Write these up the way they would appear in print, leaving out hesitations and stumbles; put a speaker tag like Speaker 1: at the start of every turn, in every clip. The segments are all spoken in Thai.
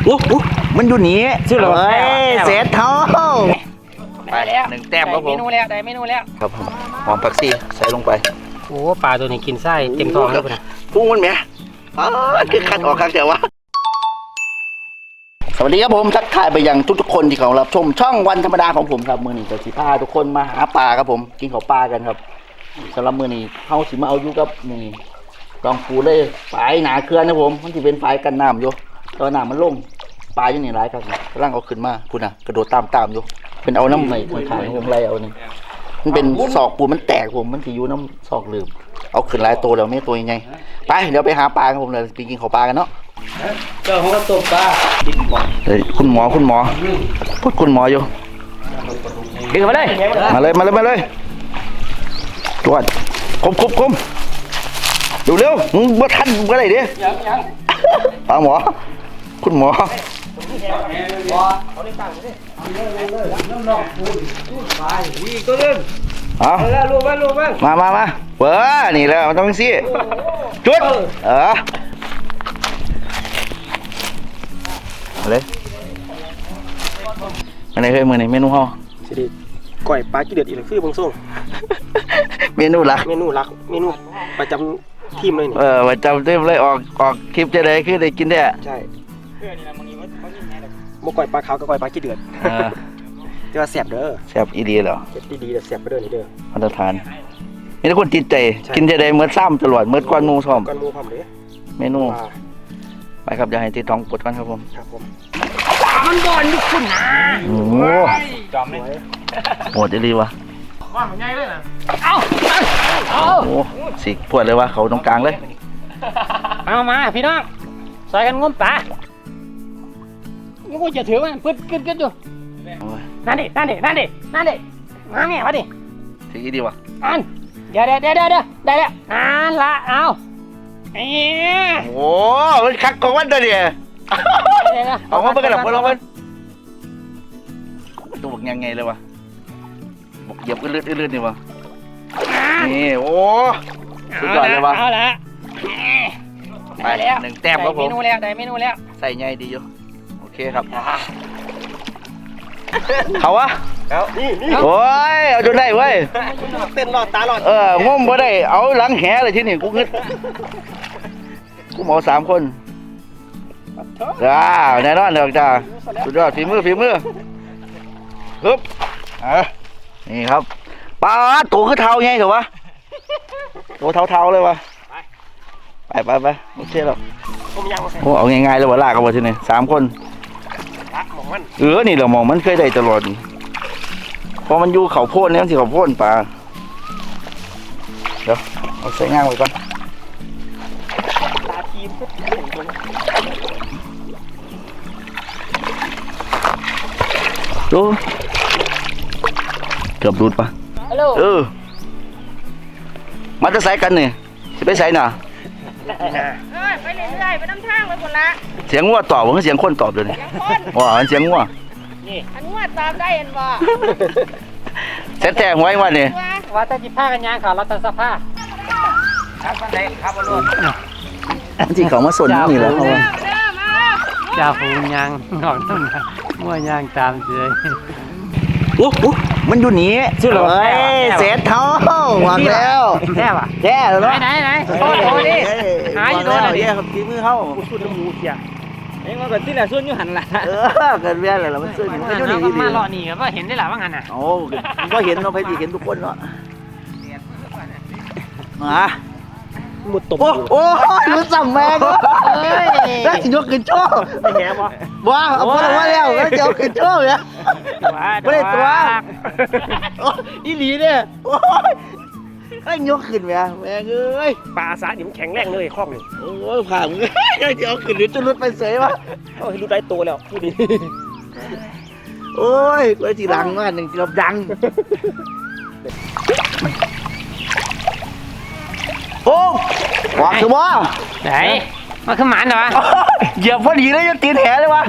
Speaker 1: มันอยู่นี่ชื่ออะไรเสร็จเท่า
Speaker 2: ไปแล้ว
Speaker 1: หนึ่งแต้มครับผม
Speaker 2: เมนูแล้วได้เมนูแล้ว
Speaker 1: ครับผมหอมผักชีใส่ลงไป
Speaker 2: โอ้ปลาตัวนี้กินไส้เต็มท้องแล้วนะ
Speaker 1: พุ่งมันแหมคือคัดออกครับเดี๋ยววะสวัสดีครับผมทักทายไปยังทุกๆคนที่เขารับชมช่องวันธรรมดาของผมครับมือนี้จะสิพาทุกคนมาหาปลาครับผมกินข้าวปลากันครับสำหรับมือนี้เขาสิมาเอาอยู่กับนี่ลองปูเลยฝายหนาเคลื่อนนะผมมันจะเป็นฝายกันน้ำอยู่ตอนน้ำมันลงปลาอยู่นี่ร้ายครับกำลังเอาขึ้นมาพูดนะกระโดดตามอยู่เป็นเอาน้ำใหม่ขายผมไรเอานี่มันเป็นศอกปูมันแตกผมมันสีอยู่น้ำศอกลืมเอาขึ้นหลายตัวแล้วไม่ตัวยังไงไปเดี๋ยวไปหาปลาครับผมเลยไปกินข้าวปลากันเนาะ
Speaker 2: เจ้าของกระตุกปลา
Speaker 1: เฮ้ยคุณหมอพูดคุณหมออยู่
Speaker 2: ดึงมาเลย
Speaker 1: ตรวจคมดูเร็วมึงบ่ทันก็ได้ดิปลาหมอคุณหมอเอามาเปิดนี่แล้วมันต้องสิจุดเลยอันไหนเคยมือไหนเมนูห่อ
Speaker 2: สิดิก่อยปลากี่เดือดอีกคือบางส่ง
Speaker 1: เมนูหลัก
Speaker 2: เมนูประจำทีมเลย
Speaker 1: ประจำทีมเลยออกคลิปจะได้คือได้กินได้
Speaker 2: ใช่โมก่อยปลาขาวกับก่อยปลากี่เดือดจะว่าแสบเด้อ
Speaker 1: แสบอีดีเหรอ
Speaker 2: แสบดีแต่แสบไปเด้อนี่เด้อ
Speaker 1: มาตรฐานมีทุกคนติดใจกินจะได้เมื่อซ้ำตลอดเมื่อก้อนมูซ้อม
Speaker 2: เลย
Speaker 1: เมนูไปครับอย่าให้ติดท้องปวดกันครับผม
Speaker 2: มันบอลลูกคุณนะ
Speaker 1: โอ้จอมเลยโหดดีวะ
Speaker 2: ว่ามันง่ายเลยนะเอา
Speaker 1: โอ้สิปวดเลยวะเขาตรงกลางเลย
Speaker 2: มาพี่น้องใส่กันงมปลากูจะถือมันปึ๊ดกึดอยู่นั่นดิมาเนี่ยมาดิ
Speaker 1: สิดีวะ
Speaker 2: อันเดี๋ยวได้แล้วนั่นละเอา
Speaker 1: โอ้มันคักของมันตัวเดียวออกมาเบิ่งกันหรอพวกเราเบิ่งตัวบกยังไงเลยวะบกเหยียบลื่นนี่วะนี่โอ้สุดยอดเลยวะ
Speaker 2: เอาละ
Speaker 1: ไปแล้วหนึ่งแต้มครับผม
Speaker 2: เมนูแล้ว
Speaker 1: ใส่ใหญ่ดีอยู่โอเคครับเขาวะโอ้ยเอาจนได้เว้ย
Speaker 2: เต้นหลอดตาหลอด
Speaker 1: งมบ่ได้เอาหลังแหเลยที่นี่กูงึดกูหมอ3 คนแน่นอนเถอะจ้าสุดยอดฝีมือฮึบนี่ครับปลาตัวคือเท้าไงเถอะวะตัวเท้าเลยวะไปโอเคแล้วโอ้เอาง่ายๆเลยวะลากกันวะที่นี่3 คนนี่เรามองมันเคยได้ตลอดพอมันอยู่เขาโพ่นเนี่ยมันสิเขาโพ่นปลาเดี๋ยวเอาใส่ง่างไว้ก่อนดูเกือบดูดปะมาจะใส่กันเนี่ยจะไปใส่น่ะ
Speaker 3: ไปเรื่อยๆไปน้ำทางไปหมดละ
Speaker 1: เสียงงัวตอบหรือเสียงคนตอบเลยว้าเสียงงัว
Speaker 3: อันงัวตอบได้เห็นบ่
Speaker 1: เซ็ตแทงไว้วันนี้
Speaker 2: ว่าจะจิบผ้ากันยางค่ะเราจะสับผ้าครับวันไหนครับวันรุ่น
Speaker 1: ที่เขามาสนนี่แล้วเขา
Speaker 2: จ่าฝูงยางหนอนต้นมั่วยางตามเฉย
Speaker 1: มันอยู่นี่
Speaker 2: ชื่ออะไร
Speaker 1: เสร็จเท่าหวังแล้ว
Speaker 2: แค่ป่ะ
Speaker 1: แย่แล้ว
Speaker 2: ไหนโอ้ยหาอยู่โดนอะไร
Speaker 1: ครับทีมือเข้า
Speaker 2: สุดน้ำมูเสียเอ็งว่าเกิดที่ไหนส่วนอยู่หันละ
Speaker 1: เกิดเบี้ยอะไรล่ะมันส่วนอยู่นี่
Speaker 2: มาหล่อนี่ก็เห็นได้หลายว่างั้นอ่ะ
Speaker 1: โอ้ก็เห็นเราไปดีเห็นทุกคนเนาะมา
Speaker 2: หมดตบ
Speaker 1: โอ้ยรู้สัมแม่ก็ได้ยกขึ้นโชว์
Speaker 2: ไม่แหบ
Speaker 1: ว้าเอาคนว่าแล้วแล้วจะขึ้นโชว์เนี่ยไม่ได้ตัวอีหลีเนี่ยโอ้ยก็ยกขึ้นแม่เอ้ย
Speaker 2: ปลาสาดิมแข็งแรงเลยคล่องเลย
Speaker 1: โอ้ยผ่านจะเอาขึ้นหรือจะลุดไปเสยวะ
Speaker 2: โอ้ยรู้ได้ตัวแล้วพูดดี
Speaker 1: โอ้ยกูจีรังมากหนึ่งจีรับดังโอ้หวังคือว่า
Speaker 2: ไหนมาขึ้นหมันเหรอ
Speaker 1: เหยียบพอดีเลยจะตีนแหเลยวะ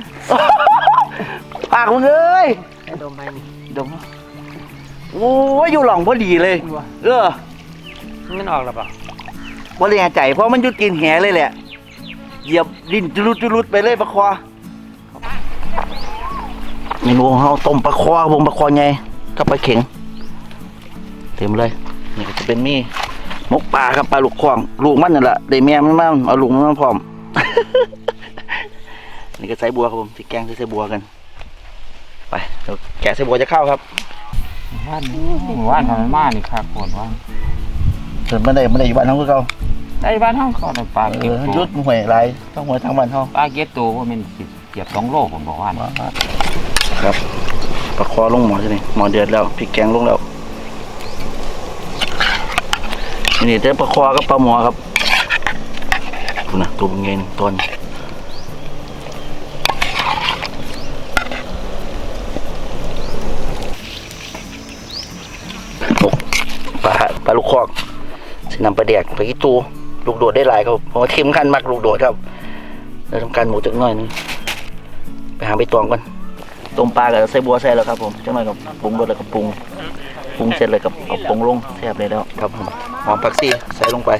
Speaker 1: ปากมึงเลย
Speaker 2: ดมไป
Speaker 1: ดมโอ้ยอยู่หล่องพอดีเลย
Speaker 2: มันออกหรือเปล่า
Speaker 1: บริหารใจเพราะมันยุดกินแหเลยแหละเหยียบดินจุลุดไปเลยปะควาเมนูของเราต้มปลาคอวงปลาคอไงกับปลาเข็งเต็มเลยนี่ก็จะเป็นมีมกปลาครับปลาลูกคว้างลูกมันนั่นแหละได้แม่มันมาเอาลูกมันมาพร้อม นี่ก็ใส่บัวครับผมที่แกงใส่บัวกันไปเดี๋ยวแกะใส่บัวจะเข้าครับ
Speaker 2: ว่านทำไมมานี่ครับปวดว่าน
Speaker 1: ส่วนไม่ได้อยู่บ้านเขาคือเขา
Speaker 2: ไอ้บ้านห้องเขาในปลาเก็บ
Speaker 1: ยุดหวยไรต้องหวยทางบ้านเขา
Speaker 2: ปลาเก็บตัวว่ามันเก็บ2 โลผมบอกว่า
Speaker 1: ครับปลาคอลงหมอใช่ไหมหมอเดือดแล้วพริกแกงลงแล้วนี่เด้อปลาคอกับปลาหมอครับดูนะตัวเป็นไงต้นปลาลูกคอกสินำปลาแดกไปกี่ตัวลูกโดดได้หลายครับเพราะว่าทีมขั้นมักลูกโดดครับเราทำการหมูจักหน่อยนึงไปหาใบตองก่อนต้มปลากับใส่บัวใส่แล้วครับผมจักหน่อยกับปรุงรสแล้วกับปรุงเสร็จเลยกับเอาปรุงลงแซ่บเลยแล้วครับผมหอมผักชีใส่ลงไป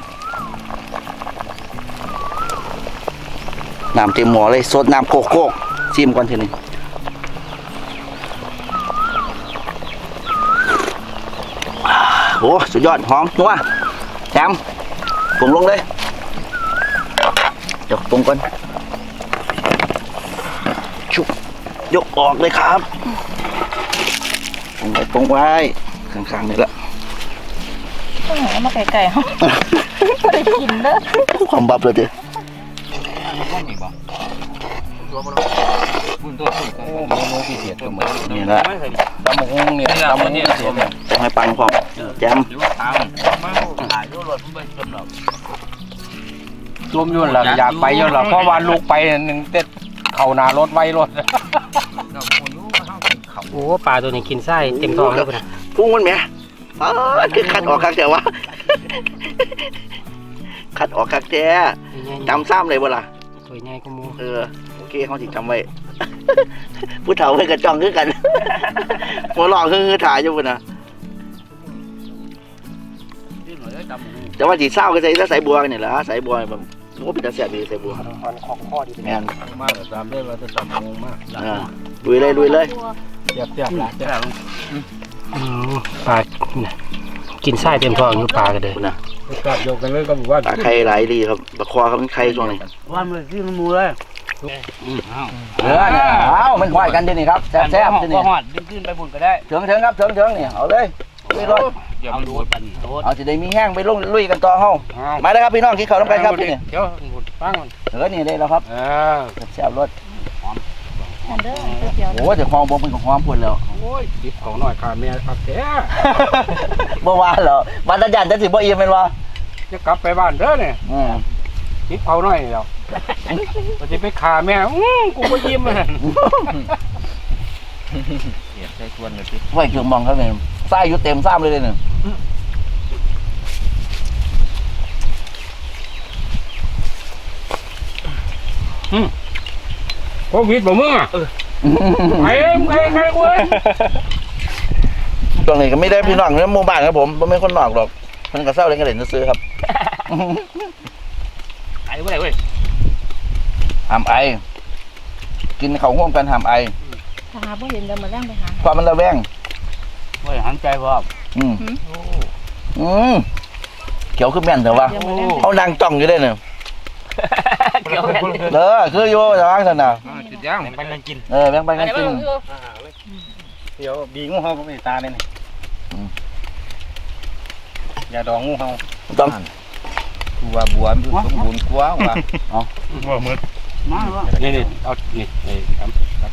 Speaker 1: น้ำเต็มหม้อเลยสดน้ำโคกชิมก่อนทีนึงโอ้สุดยอดหอมนัวแจมปรุงลงเลยเดี๋ยวปรุงก่อนชุบยกออกเลยครับปรุงไว้ข้างๆนี่แหละ
Speaker 3: ต้องหามาไก่ๆเขาไม่ได้กินเด้อ
Speaker 1: ความบับเลยดิ นี่แหละ
Speaker 2: ตำมงเนี่ยตำเนี่ย
Speaker 1: ต้องให้ปังพร้อมแจม
Speaker 2: รวมยุ่นหลักอยากไปยุ่นหลักเพราะว่าลูกไปหนึ่งเต็ดเข่าหนารถไว้รถโอ้ปลาตัวนี้กินไส้เต็มท้องแล้วนะ
Speaker 1: พุ่งมันไหมคือคัดออกคักแต่ว่าคัดออกคักแต่จำซ้ำเลยบ่ล่ะ
Speaker 2: ตัวใหญ่ก็มู
Speaker 1: โอเคเขาสิจำไว้ ผู้เฒ่าเพื่อนกระจองคือกัน หัวหลอกคือถ่ายอยู่พุ่นนะแต่ว่าจีเศร้าก็ใส่บัวกันนี่แหละใส่บัวแบบโอ้เป็นตาแสบดีใส่บัว
Speaker 2: ของข้อดี
Speaker 1: แม่น
Speaker 2: มากตามได้ว่าจะตำมงมาก
Speaker 1: ลุยเลย
Speaker 2: เจ็บหลายปลากินไส้เต็มท้องอยู่ปลากันเลย
Speaker 1: นะ
Speaker 2: กับโยกันเลยก็บอกว่า
Speaker 1: ปลาไข่หลายดีครับปลาคอเขาเป็นไข่ช่วงนี้
Speaker 2: ว่ามันที่มันมูเลย
Speaker 1: มันควายกันดินี่ครับแซ่บดินี่
Speaker 2: หอดดึงขึ้นไปบุญก็ได้
Speaker 1: เถิงครับเถิงนี่เอาเลยลุยรถ
Speaker 2: เอาดูปันโดด
Speaker 1: เอาสิได้มีแห้งไปลุยกันต่อเฮามาเลยครับพี่น้องกินข้าวน้ำกันครับนี่
Speaker 2: เดี๋ยวฟังมัน
Speaker 1: นี่ได้แล้วครับแซ่บรถ
Speaker 3: เด้อเดี๋ยว
Speaker 1: โอ้จะคลองบ่เป็นของหอมพุ่นแล้ว
Speaker 2: โอ้ยติดของหน่อยขาแม่ครับแท้
Speaker 1: บ่ว่าแล้ววันตะยันจะสิบ่อิ่มแม่นบ่
Speaker 2: จะกลับไปบ้านเด้อเนี่ยติดเขาหน่อยแล้วก็จะไปขาแม่กูก็ยิ้มเลยใส่ส่วนเลยพี่
Speaker 1: ไว้เครื่องมองครับนี่ไส้อยู่เต็มซ้ำเลยนี่
Speaker 2: โควิดบ่มึงอ่ะไปใครกู
Speaker 1: ตรงนี้ก็ไม่ได้พี่น้องในหมู่บ้านครับผมบ่แม่นคนนอกหรอกเพิ่นก็เซาเล่นกันเล่นซื้อครับ
Speaker 2: ไอ้เว้ย
Speaker 1: ห้ามไอกินข้าวห่วมกันห้ามไอ
Speaker 3: หาบ่เห็นเดี๋ยวมาแล้งไปหา
Speaker 1: ความมันระแวง
Speaker 2: เว้ยหันใจบ่
Speaker 1: เขียวคือแม่นเถอะวะเขานั่งจ้องอยู่ได้เนี่ย
Speaker 2: เกี่ยวกัน
Speaker 1: คืออยู่แต่ว่าซั่นน่ะ
Speaker 2: จุดย่างแบ่งปันกันกิน
Speaker 1: แบ่งปันกันกิน
Speaker 2: เดี๋ยวบีงูเห่าก็ไม่ตาเลยนี่อย่าดองงูเห่า
Speaker 1: ต้อง
Speaker 2: บัวมันสมบูรณ์กว่าว่ะบัวมืดมาว่ะนี่เอานี่ครับ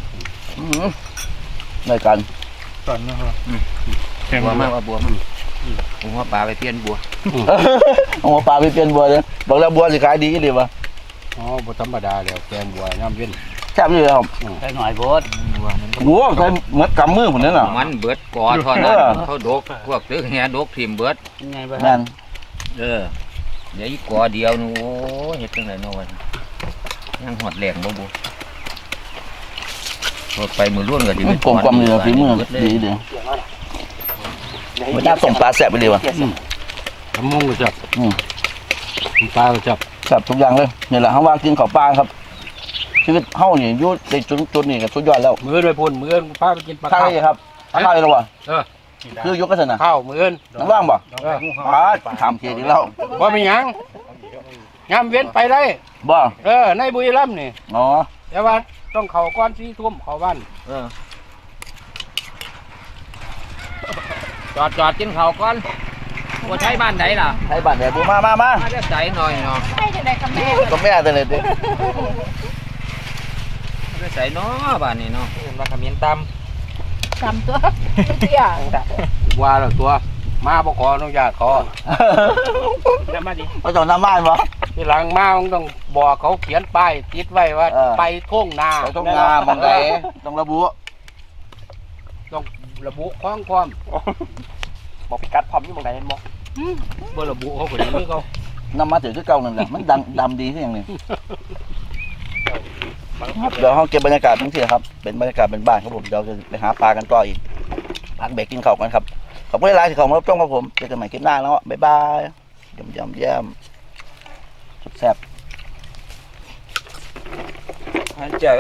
Speaker 1: ในกัน
Speaker 2: ตอนนะครับบัวมากว่าบัวมันผมว่าปลาไปเปลี่ยนบัว
Speaker 1: เอาปลาไปเปลี่ยนบัวเลยบอกแล้วบัวสิขายดีดีวะ
Speaker 2: อ๋อบัวธรรมดาแล้วแกงบัวน้ำเว้น
Speaker 1: แซ่บอยู่ครับ
Speaker 2: ใส่หน่อยโบดบัวมัน
Speaker 1: โอ้ใส่เหมือนกำมือผมนั่นน่ะ
Speaker 4: มันเบิดกอเท่านั้นเขาดกพวกตึกแห่ดกทีมเบิด
Speaker 2: ยังไงบ้าง
Speaker 1: นั่น
Speaker 4: เดี๋ยวอีกกอเดียวนู่เฮ็ดจังได๋เนาะวะยังหอดแหลงบ่บ่หดไปมือล้วนก็สิ
Speaker 1: กลมกลมเลยฝีมือดีเด้อมันน่าส่งปลาแซ่บไปเลยวะ
Speaker 2: ทำมงก็จับปลาก็จับ
Speaker 1: แซ่บทุกอย่างเลยนี่แหละเขาว่ากินข้าวปลาครับชีวิตเฮานี่อยู่ในจุดนี้ก็สุดยอดแล้ว
Speaker 2: มือด้วยพุ่นมือพาไปกินปลา
Speaker 1: ข้าว
Speaker 2: ข้าว
Speaker 1: เลยครับข้าวเลยหรอวะ
Speaker 2: เออ
Speaker 1: คือยุกกันนะ
Speaker 2: ข้าวมือ
Speaker 1: น้ำว่างบ่
Speaker 2: เออ
Speaker 1: ทำเทียดีแล้ว
Speaker 2: ว่ามีหยังยามเว้นไปได้
Speaker 1: บ่
Speaker 2: ในบุรีรัมย์นี่
Speaker 1: อ๋อ
Speaker 2: แต่ว่าต้องเข้าก่อน4 ทุ่มเข้าบ้าน
Speaker 4: จอดกินข้าวก่อนบ่ใช้บ้านไหนล่ะ
Speaker 1: ให้บ้านแดดบูมา
Speaker 4: มาเรียกใจหน่อยเนาะ
Speaker 3: ให้จังได๋กับแม่
Speaker 1: ก็แม่แต่เลยดิ
Speaker 4: เรียกใจเนาะบ้านนี้เนาะ
Speaker 2: มาขมิ้นต
Speaker 3: จำตัวเตี้ย
Speaker 2: ำว่าแล้วตัวมาบ่ขออนุญาตขอจะมาดิ
Speaker 1: เขาจะน้ำบ้านบ่
Speaker 2: ทีหลังมาต้องบอกเขาเขียนป้ายติดไว้ว่า ไปท่งนา
Speaker 1: เขาต้องงามมองไหนต้องระบุ
Speaker 2: ต้องระบุข้องความ
Speaker 5: บอกพิกัดพร้อมอยู่ตรงไหนบอก
Speaker 2: บ่ระบุเขาก็อย่างนี้เขา
Speaker 1: นำมาถือคือเก่านั่นแหละมันดำดีที่อย่างนี้เดี๋ยวห้องเก็บบรรยากาศทั้งที่ครับเป็นบรรยากาศเป็นบ้านครับผมเดี๋ยวจะไปหาปลากันต่ออีกพักเบรกกินข้าวกันครับขอบคุณหลายๆที่เข้ามารับชมครับผมเจอกันใหม่คลิปหน้าแล้วบ๊ายบายเยี่ยมแซ่บ
Speaker 4: เจ้า